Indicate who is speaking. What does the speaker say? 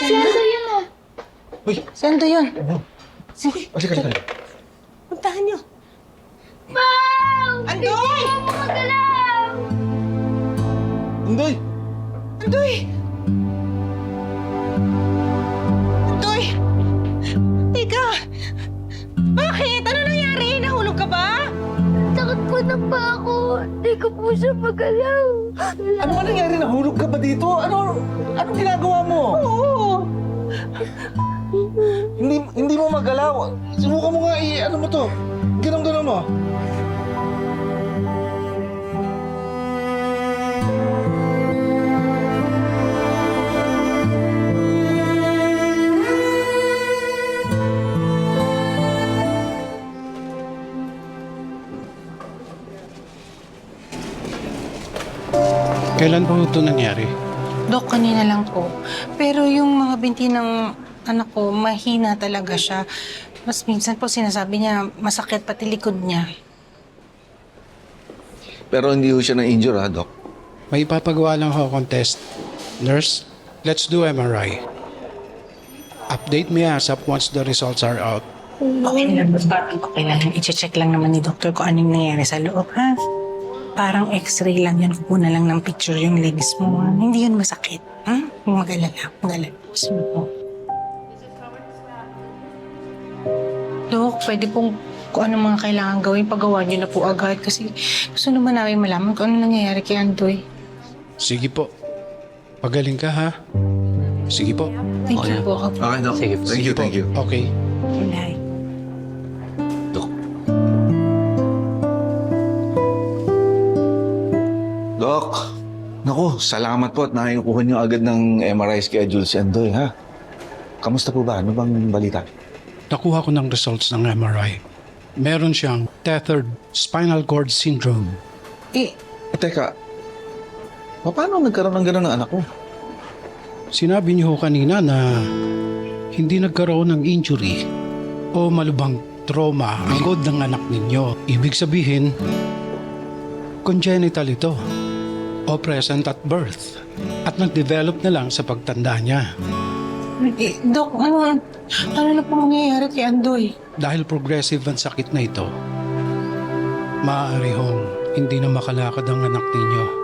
Speaker 1: Sendo yun o.
Speaker 2: Uy!
Speaker 3: Sendo yun.
Speaker 2: Sige. Halika.
Speaker 3: Puntahan niyo.
Speaker 1: Wow!
Speaker 3: Andoy!
Speaker 1: Hindi mo magalaw!
Speaker 2: Andoy!
Speaker 3: Andoy! Andoy! Teka! Bakit? Ano nangyari? Nahulog ka ba?
Speaker 1: Takot po na pa ako. Hindi ko po siya magalaw.
Speaker 2: Ano ba nangyari? Nahulog ka ba dito? Anong ginagawa mo?
Speaker 3: Oo!
Speaker 2: Hindi mo magalaw. Subukan mo nga ano mo to. Ganun mo.
Speaker 4: Kailan po ito nangyari?
Speaker 3: Dok, kanina lang po. Pero yung mga binti ng anak ko, mahina talaga siya. Mas minsan po sinasabi niya, masakit pati likod niya.
Speaker 2: Pero hindi ho siya na-injure ha, Doc?
Speaker 4: May ipapagawa lang ako contest. Nurse, let's do MRI. Update me ASAP once the results are out.
Speaker 3: Okay lang, okay lang. I-check lang naman ni doktor kung anong nangyari sa loob, ha? Parang x-ray lang yan. Kukuha na lang ng picture yung legs mo. Ha? Hindi yun masakit. Ha? Mag-alala. Sige po. Dok, pwede pong kung ano mga kailangan gawin, paggawa niyo na po agad. Kasi gusto naman namin malaman kung ano nangyayari kay Andoy.
Speaker 4: Sige po. Pagaling ka ha? Sige po.
Speaker 3: Thank you po.
Speaker 2: Okay, Doc. Sige, thank you.
Speaker 4: Okay.
Speaker 3: Kulay.
Speaker 2: Doc, naku, salamat po at nakikuha niyo agad ng MRI schedule si Andoy, ha? Kamusta po ba? Ano bang balita?
Speaker 4: Nakuha ko ng results ng MRI. Meron siyang tethered spinal cord syndrome.
Speaker 2: Teka, paano nagkaroon ng gano'n ng anak ko?
Speaker 4: Sinabi niyo ho kanina na hindi nagkaroon ng injury o malubhang trauma ang likod ng anak ninyo. Ibig sabihin, congenital ito o present at birth at nag-develop na lang sa pagtanda niya.
Speaker 3: Dok, ano na po mangyayari kay Andoy?
Speaker 4: Dahil progressive ang sakit na ito, maaari hong hindi na makalakad ang anak ninyo.